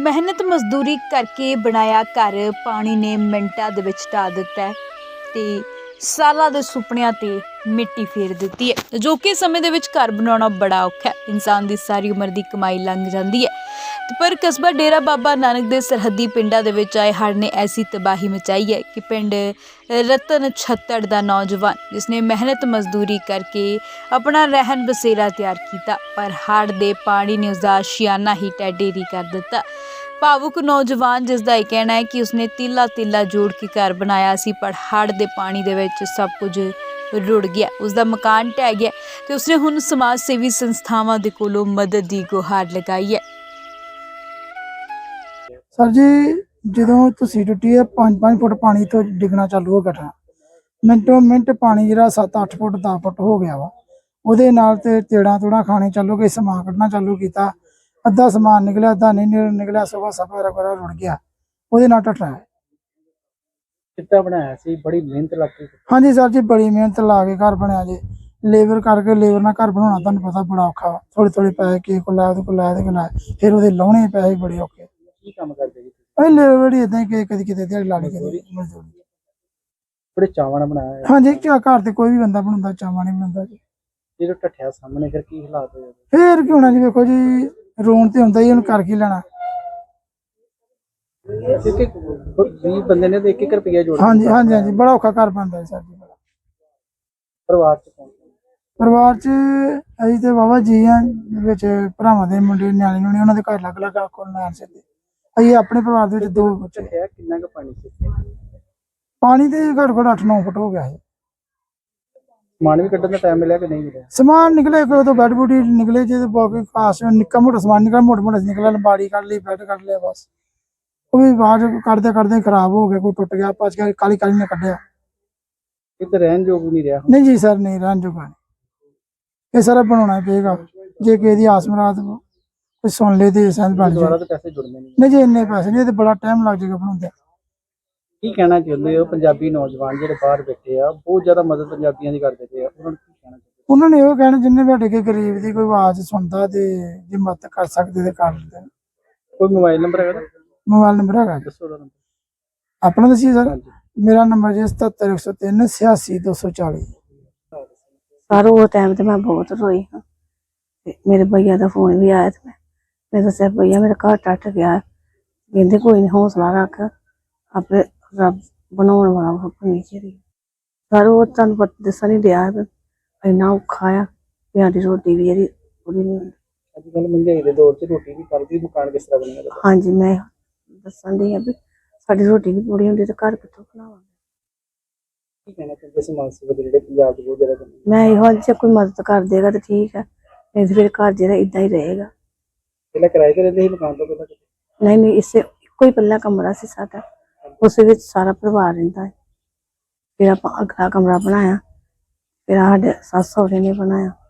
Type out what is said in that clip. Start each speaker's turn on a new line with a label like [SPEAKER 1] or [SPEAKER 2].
[SPEAKER 1] ਮਿਹਨਤ ਮਜ਼ਦੂਰੀ ਕਰਕੇ ਬਣਾਇਆ ਘਰ ਪਾਣੀ ਨੇ ਮਿੰਟਾਂ ਦੇ ਵਿੱਚ ਢਾਹ ਦਿੱਤਾ ਹੈ ਤੇ ਸਾਲਾਂ ਦੇ ਸੁਪਨਿਆਂ ਤੇ ਮਿੱਟੀ ਫੇਰ ਦਿੱਤੀ ਹੈ, ਜੋ ਕਿ ਸਮੇਂ ਦੇ ਵਿੱਚ ਘਰ ਬਣਾਉਣਾ ਬੜਾ ਔਖਾ ਹੈ। ਇਨਸਾਨ ਦੀ ਸਾਰੀ ਉਮਰ ਦੀ ਕਮਾਈ ਲੰਘ ਜਾਂਦੀ ਹੈ ਤੇ ਪਰ ਕਸਬਾ ਡੇਰਾ ਬਾਬਾ ਨਾਨਕ ਦੇ ਸਰਹੱਦੀ ਪਿੰਡਾਂ ਦੇ ਵਿੱਚ ਆਏ ਹੜ੍ਹ ਨੇ ਐਸੀ ਤਬਾਹੀ ਮਚਾਈ ਹੈ ਕਿ ਪਿੰਡ ਰਤਨ ਛੱਤੜ ਦਾ ਨੌਜਵਾਨ ਜਿਸਨੇ ਮਿਹਨਤ ਮਜ਼ਦੂਰੀ ਕਰਕੇ ਆਪਣਾ ਰਹਿਣ ਬਸੇਰਾ ਤਿਆਰ ਕੀਤਾ, ਪਰ ਹੜ੍ਹ ਦੇ ਪਾਣੀ ਨੇ ਉਸਦਾ ਆਸ਼ੀਆਨਾ ਹੀ ਟੈਢੇਰੀ ਕਰ ਦਿੱਤਾ। ਭਾਵੁਕ ਨੌਜਵਾਨ ਜਿਸ ਦਾ ਇਹ ਕਹਿਣਾ ਹੈ ਕਿ ਉਸਨੇ ਤੀਲਾ ਜੋੜ ਕੇ ਘਰ ਬਣਾਇਆ ਸੀ, ਪਰ ਹੜ੍ਹ ਦੇ ਪਾਣੀ ਦੇ ਵਿੱਚ ਸਭ ਕੁਝ ਰੁੜ ਗਿਆ, ਉਸਦਾ ਮਕਾਨ ਢਹਿ ਗਿਆ ਤੇ ਉਸਨੇ ਹੁਣ ਸਮਾਜ ਸੇਵੀ ਸੰਸਥਾਵਾਂ ਦੇ ਕੋਲੋਂ ਮਦਦ ਦੀ ਗੁਹਾਰ ਲਗਾਈ ਹੈ।
[SPEAKER 2] सर जी जो तुसी टुटी है 5-5 फुट पानी तो डिगना चालू हो गया, मिनटों मिनट पानी जरा 7-8 फुट 10 फुट हो गया वा। ਉਹਦੇ ਨਾਲ ਤੇ ਤੇੜਾ ਤੋੜਾ ਖਾਣੇ ਚਾਲੂ ਗਏ, ਸਮਾਨ ਕੱਢਣਾ ਚਾਲੂ ਕੀਤਾ, ਅੱਧਾ ਸਮਾਨ ਨਿਕਲਿਆ ਅੱਧਾ ਨਹੀਂ ਨਿਕਲਿਆ, ਸਵਾ ਸਫਾ ਰਗੜਾ ਰੁੜ ਗਿਆ, ਉਹਦੇ ਨਾਲ ਟੱਟਾ ਹੈ।
[SPEAKER 3] ਕਿੱਦਾਂ ਬਣਾਇਆ ਸੀ? ਬੜੀ ਮਿਹਨਤ ਲੱਗ ਗਈ।
[SPEAKER 2] ਹਾਂਜੀ ਸਰ ਜੀ ਬੜੀ ਮਿਹਨਤ ਲਾ ਕੇ ਘਰ ਬਣਿਆ ਜੀ, ਲੇਬਰ ਕਰਕੇ ਲੇਬਰ ਨਾਲ ਘਰ ਬਣਾਉਣਾ ਤੁਹਾਨੂੰ ਪਤਾ ਬੜਾ ਔਖਾ ਵਾ। ਥੋੜੇ ਪੈਸੇ ਕਿਸੇ ਕੋਲ ਲਾਇਆ ਉਹਦੇ ਕੋਲ ਲਾਇਆ ਉਹਦੇ ਕੋਲ ਲਾਇਆ, ਫਿਰ ਉਹਦੇ ਲਾਉਣੇ ਪੈਸੇ ਬੜੇ ਔਖੇ।
[SPEAKER 3] ਕੀ ਕੰਮ ਕਰਦੇ ਜੀ?
[SPEAKER 2] ਇਹ ਲੇਬਰ ਹੀ ਇਦਾਂ ਕਿ ਕਦੀ ਕਿਤੇ ਦਿਹਾੜੀ ਲਾ ਲਈ ਕਦੀ ਮਜ਼ਦੂਰੀ।
[SPEAKER 3] ਬੜੇ ਚਾਵਾਂ ਨਾਲ ਬਣਾਇਆ ਹੈ।
[SPEAKER 2] ਹਾਂਜੀ ਘਰ ਤੇ ਕੋਈ ਵੀ ਬੰਦਾ ਬਣਾਉਂਦਾ, ਚਾਵਾਂ ਨਹੀਂ ਬਣਾਉਂਦਾ ਜੀ।
[SPEAKER 3] ਜਦੋਂ ਢੱਠਿਆ ਸਾਹਮਣੇ ਫਿਰ ਕੀ ਹਾਲਾਤ ਹੋਏ?
[SPEAKER 2] ਫੇਰ ਕੀ ਹੋਣਾ ਜੀ, ਵੇਖੋ ਜੀ ਰੋਣ ਤੇ ਹੁੰਦਾ ਹੀ, ਉਹਨੂੰ ਕਰ ਕੀ ਲੈਣਾ।
[SPEAKER 3] ਕਿਉਂਕਿ 20 ਬੰਦੇ ਨੇ ਤੇ 1-1 ਰੁਪਿਆ ਜੋੜਿਆ।
[SPEAKER 2] ਹਾਂਜੀ ਬੜਾ ਔਖਾ ਘਰ ਬਣਦਾ ਸਰ ਜੀ।
[SPEAKER 3] ਪਰਿਵਾਰ ਚ ਕੌਣ?
[SPEAKER 2] ਪਰਿਵਾਰ ਚ ਅਸੀਂ ਤੇ ਬਾਬਾ ਜੀ ਆ, ਵਿੱਚ ਭਰਾਵਾਂ ਦੇ ਮੁੰਡੇ ਨਿਆਣੇ ਨੂੰ ਉਹਨਾਂ ਦੇ ਘਰ ਲੱਗ ਕੋਲ ਲੈਣ ਸਿੱਧੇ। ਅਸੀਂ ਆਪਣੇ ਪਰਿਵਾਰ ਦੇ ਵਿੱਚ 2 ਬੱਚੇ।
[SPEAKER 3] ਕਿੰਨਾ ਕੁ ਪਾਣੀ ਸੀ?
[SPEAKER 2] ਪਾਣੀ ਤੇ ਘੱਟ 8-9 ਫੁੱਟ ਹੋ ਗਿਆ ਹੈ।
[SPEAKER 3] ਸਮਾਨ ਵੀ ਕੱਢਣ ਦਾ ਟਾਈਮ ਮਿਲਿਆ ਕਿ ਨਹੀਂ ਮਿਲਿਆ?
[SPEAKER 2] ਸਮਾਨ ਨਿਕਲੇ ਕੋਈ ਤੋਂ ਬੈੱਡ ਬੂਟੀ ਨਿਕਲੇ ਜੇ, ਬਾਕੀ ਖਾਸ ਨਿੱਕਾ ਮੋਟਾ ਸਮਾਨ ਨਿਕਲਿਆ, ਮੋਟਾ ਨਿਕਲਿਆ, ਲੰਬਾੜੀ ਕੱਢ ਲਈ, ਬੈੱਡ ਕੱਢ ਲਿਆ, ਬਸ ਉਹ ਵੀ ਬਾਹਰ ਕੱਢਦੇ ਖਰਾਬ ਹੋ ਗਿਆ, ਕੋਈ ਟੁੱਟ ਗਿਆ, ਭੱਜ ਗਿਆ, ਕਾਲੀ ਨੇ ਕੱਢਿਆ।
[SPEAKER 3] ਕਿਤੇ ਰਹਿਣ ਯੋਗ ਵੀ ਨਹੀਂ ਰਿਹਾ?
[SPEAKER 2] ਨਹੀਂ ਜੀ ਸਰ, ਨਹੀਂ ਰਹਿਣ ਜੋਗਾ ਨਹੀਂ। ਇਹ ਸਾਰਾ ਬਣਾਉਣਾ ਪਏਗਾ, ਜੇ ਕਿਸੇ ਦੀ ਆਸ ਮੁਰਾਦ ਕੋਈ ਸੁਣ ਲੇ ਤੇ ਸੰਦ ਬਣ
[SPEAKER 3] ਦੁਬਾਰਾ
[SPEAKER 2] ਜਾਏ।
[SPEAKER 3] ਤਾਂ ਪੈਸੇ ਜੁੜਨੇ ਨਹੀਂ।
[SPEAKER 2] ਨਹੀਂ ਜੀ ਇੰਨੇ ਪੈਸੇ ਨਹੀਂ, ਤੇ ਬੜਾ ਟਾਈਮ ਲੱਗ ਜਾਏਗਾ ਬਣਾਉਂਦੇ।
[SPEAKER 3] ਕੀ ਕਹਿਣਾ ਚਾਹੁੰਦੇ ਹੋ? ਪੰਜਾਬੀ ਨੌਜਵਾਨ ਜਿਹੜੇ ਬਾਹਰ ਬੈਠੇ ਆ, ਬਹੁਤ ਜ਼ਿਆਦਾ ਮਦਦ ਪੰਜਾਬੀਆਂ ਦੀ ਕਰਦੇ ਪਏ ਆ, ਉਹਨਾਂ ਨੂੰ ਕੀ ਕਹਿਣਾ ਚਾਹੁੰਦੇ?
[SPEAKER 2] ਉਹਨਾਂ ਨੇ ਇਹੋ ਕਹਿਣਾ, ਜਿੰਨੇ ਵੀ ਸਾਡੇ ਕੇ ਗਰੀਬ ਦੀ ਕੋਈ ਆਵਾਜ਼ ਸੁਣਦਾ ਤੇ ਜੇ ਮਦਦ ਕਰ ਸਕਦੇ ਤੇ ਕਰ ਲੈਣ।
[SPEAKER 3] ਕੋਈ ਮੋਬਾਈਲ ਨੰਬਰ ਹੈਗਾ?
[SPEAKER 2] ਮੋਬਾਈਲ ਨੰਬਰ ਹੈਗਾ ਜੀ
[SPEAKER 3] ਦੱਸੋ ਉਹਦਾ ਨੰਬਰ।
[SPEAKER 2] ਆਪਣਾ ਦੱਸੀਏ ਸਰ?
[SPEAKER 3] ਹਾਂਜੀ।
[SPEAKER 2] ਮੇਰਾ ਨੰਬਰ ਜੀ 77 103 86240।
[SPEAKER 4] सर वो टाइम तो मैं बहुत रोई हाँ। मेरे भैया का फोन भी आया था, मैं दसा भैया मेरा घर टट गया, कहते कोई नहीं हौसला रख, आपे रब बनाने वाला नीचे रही। सर वो तुम दसा नहीं दिया इन्ना औखा आ, प्यारी रोटी भी जी पूरी नहीं होती।
[SPEAKER 3] अजकल महंगाई के दौर च रोटी भी करदी, मकान किस तरह बनेगा?
[SPEAKER 4] हाँ जी मैं दसन दी भी साडी रोटी भी पूरी होंदी तो घर कित्थों बनावांगे?
[SPEAKER 3] ਕੀ ਕਹਿਣਾ ਚਾਹੁੰਦੇ ਸਮਾਜ ਸੇਵਾ ਦੇ ਜਿਹੜੇ ਪੰਜਾਬ ਦੇ ਬਹੁਤ ਜ਼ਿਆਦਾ ਕੰਮ?
[SPEAKER 4] मैं यो जे कोई मदद कर देगा तो ठीक है, नहीं तो फिर घर जो इदा ही रहेगा।
[SPEAKER 3] ਪਹਿਲਾਂ ਕਿਰਾਏ ਤੇ ਰਹਿੰਦੇ ਸੀ ਮਕਾਨ ਤੋਂ ਪਹਿਲਾਂ?
[SPEAKER 4] नहीं इससे कोई पल्ला कमरा से साडा, उस विच सारा परिवार रहिंदा है। फिर आपां अगला कमरा बनाया, फिर साडे सस सहुरे ने बनाया।